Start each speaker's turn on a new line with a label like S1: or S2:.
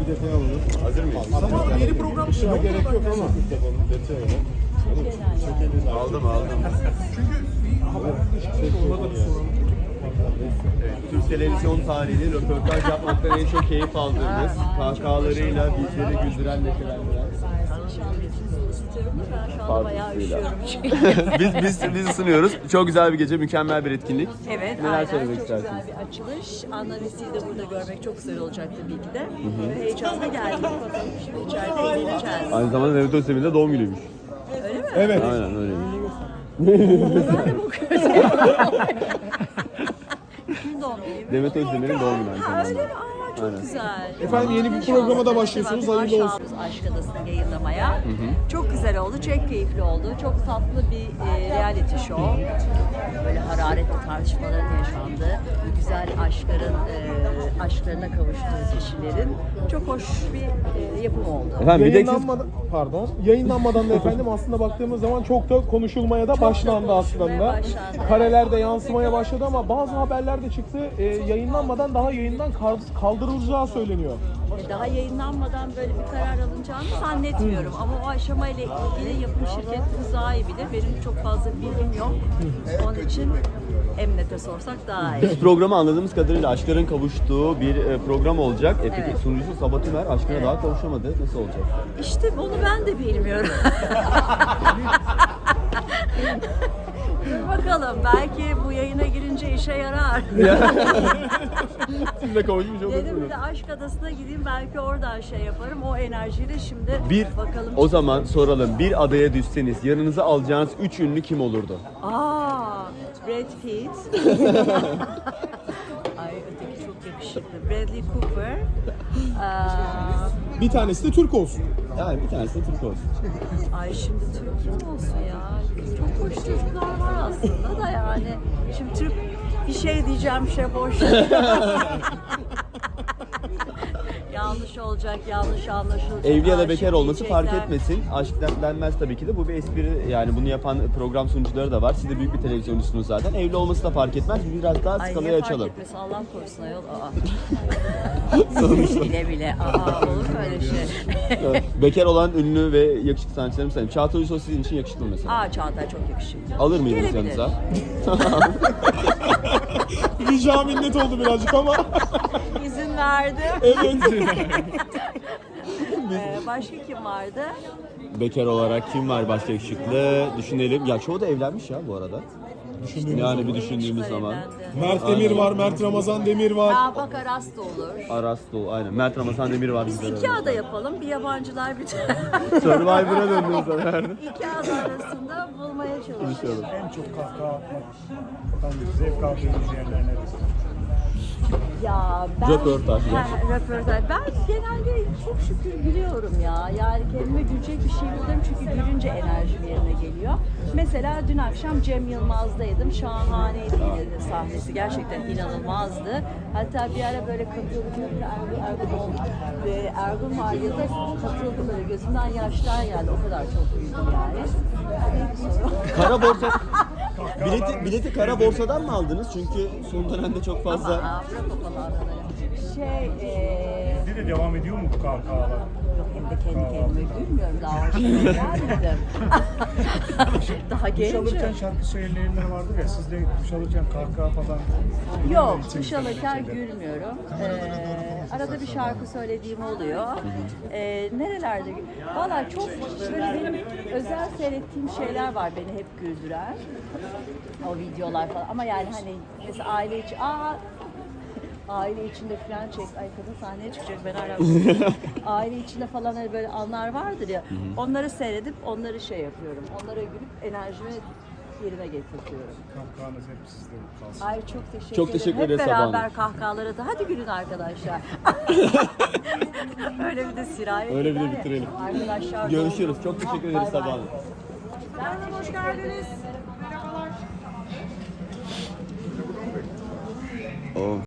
S1: bir detay alalım.
S2: Hazır mıyız?
S1: Ama yeni program şuna gerek yok ama. Detay alalım.
S2: Aldım.
S1: Çünkü haberlerde çıkıyor. Onlara da soralım.
S2: Evet, Türk televizyon tarihinin röportaj yapmaktan en çok keyif aldığımız, kahkahalarıyla bizleri güldüren, neşelendiren.
S3: Ben şu anda bayağı üşüyorum çünkü.
S2: biz ısınıyoruz. Çok güzel bir gece, mükemmel bir etkinlik.
S3: Evet,
S2: Neler
S3: aynen.
S2: söylemek
S3: Çok
S2: istersiniz?
S3: güzel bir açılış. Anna Vesi'yi de burada görmek çok güzel olacak tabii ki de. Heyecanla geldik. Bakalım şimdi içeride eğleneceğiz.
S2: Aynı zamanda Mehmet Özdemir'in de doğum günüymüş.
S3: Öyle mi?
S1: Evet.
S2: Aynen öyle.
S3: Ben de bakıyorum. Kim doğum günü?
S2: Demet Özdemir'in doğum günü aynı
S3: Ha, öyle
S2: zamanda.
S3: mi? Aa, çok
S2: Aynen.
S3: güzel.
S1: Efendim, yeni bir programa da başlıyorsunuz. Hayırlı olsun.
S3: Aşk Adası'nı yayınlamaya. Çok güzel oldu, çok keyifli oldu. Çok tatlı bir reality show. Böyle hararetli tartışmaların yaşandığı, güzel aşklarına kavuştuğu kişilerin çok hoş bir yapım oldu.
S2: Efendim bir de siz...
S1: Yayınlanmadan da efendim aslında baktığımız zaman çok da konuşulmaya da başlandı
S3: konuşulmaya
S1: aslında.
S3: başlandı.
S1: Kareler de yansımaya başladı ama bazı haberler de çıktı. Yayınlanmadan daha yayından kaldırılacağı söyleniyor.
S3: Daha yayınlanmadan böyle bir karar alınacağını zannetmiyorum. Ama o aşamayla ilgili yapım şirketimiz daha iyi bilir. Benim çok fazla bilgim yok. Onun için Emniyete sorsak daha iyi.
S2: Programı anladığımız kadarıyla aşkların kavuştuğu bir program olacak. Peki
S3: Evet.
S2: sunucusu Sabah Tümer aşkına daha kavuşamadı. Nasıl olacak?
S3: İşte onu ben de bilmiyorum. Dur bakalım, belki bu yayına girince işe yarar.
S2: Siz de kavuşmuş olursunuz.
S3: Dedim bir de Aşk Adası'na gideyim, belki oradan şey yaparım. O enerjiyle şimdi bakalım.
S2: O zaman soralım. Bir adaya düşseniz yanınıza alacağınız 3 ünlü kim olurdu?
S3: Brad Pitt. Ay, öteki çok yakışıklı. Bradley Cooper.
S1: Bir tanesi de Türk olsun.
S2: Yani bir tanesi de Türk olsun.
S3: Ay şimdi Türk kim olsun ya? Çok hoş çocuklar var aslında da yani. Şimdi Türk bir şey diyeceğim, boş. Yanlış olacak, yanlış anlaşılacak.
S2: Evli ya da
S3: Aşık
S2: bekar olması fark
S3: diyecekler.
S2: etmesin. Aşk denmez tabii ki de. Bu bir espri. Yani bunu yapan program sunucuları da var. Siz de büyük bir televizyoncusunuz zaten. Evli olması da fark etmez. Biz biraz daha
S3: Ay
S2: skalayı
S3: niye
S2: açalım.
S3: fark etmesin, Allah korusun ayol. Bile bile. Olur mu öyle şey?
S2: Evet. Bekar olan ünlü ve yakışıklı sanatçılarımı sayayım. Çağatay Ulusoy sizin için yakışıklı mı mesela?
S3: Çağatay çok yakışıklı.
S2: Alır mıydınız
S3: Gelebilir.
S2: yanınıza?
S1: Rica minnet oldu birazcık ama.
S3: İzin verdim.
S1: Evet.
S3: Başka kim vardı?
S2: Bekar olarak kim var başka yakışıklı? Düşünelim. Ya çoğu da evlenmiş ya bu arada. Yani bir düşündüğümüz zaman.
S3: Evlendi.
S1: Mert Demir var, Mert Ramazan Demir var.
S3: Bak Aras da olur.
S2: Aras Doğu, aynen. Mert Ramazan Demir var.
S3: Biz iki ada yapalım. Bir yabancılar bir
S2: Survivor'a döndünüz zaten.
S3: iki ada arasında bulmaya çalışıyoruz.
S4: En çok kahkaha atmaktan zevk aldığınız yerler neresi?
S3: Ya ben
S2: Röportaj.
S3: Röportaj. Ben genelde çok şükür gülüyorum ya. Yani kendime gülecek bir şey buluyorum çünkü gülünce enerjim yerine geliyor. Mesela dün akşam Cem Yılmaz'daydım. Şahaneydi yine de sahnesi. Gerçekten inanılmazdı. Hatta bir ara böyle katıldım. Ergun var ya da katıldı böyle. Gözümden yaşlar geldi. O kadar çok güldüm yani.
S2: Kara borsa... bileti kara borsadan mı aldınız? Çünkü son dönemde çok fazla...
S3: Bırak o falanları.
S4: Bir de devam ediyor mu bu kahkahalar?
S3: Yok, hem de kendi kendime gülmüyorum. Daha aşırı gelmedim. Daha
S4: Duş
S3: gencim.
S4: alırken şarkı söyleyenler vardır ya, siz de duş alırken kahkaha falan...
S3: Yok, duş alırken gülmüyorum. Arada bir şarkı söylediğim oluyor. Nerelerde? Valla çok böyle benim özel seyrettiğim şeyler var beni hep güldüren. O videolar falan. Ama yani hani mesela aile içi... Aile içinde falan çek. Ay, kadın sahneye çıkacak, ben hala aile içinde falan hani böyle anlar vardır ya. Onları seyredip onları şey yapıyorum. Onlara gülüp enerjimi yerine getirtiyorum.
S4: Kahkahanız hep sizde kalsın.
S3: Ay çok teşekkür
S2: Çok
S3: ederim.
S2: teşekkür
S3: Hep
S2: ederiz Sabah Hanım.
S3: beraber kahkahalara da hadi gülün arkadaşlar. Öyle bir de sirayet
S2: Öyle bir de
S3: eder ya.
S2: bitirelim.
S3: Arkadaşlar
S2: Görüşürüz. Çok teşekkür ederiz Sabah Hanım.
S3: Ben hoş geldiniz.
S2: Oh.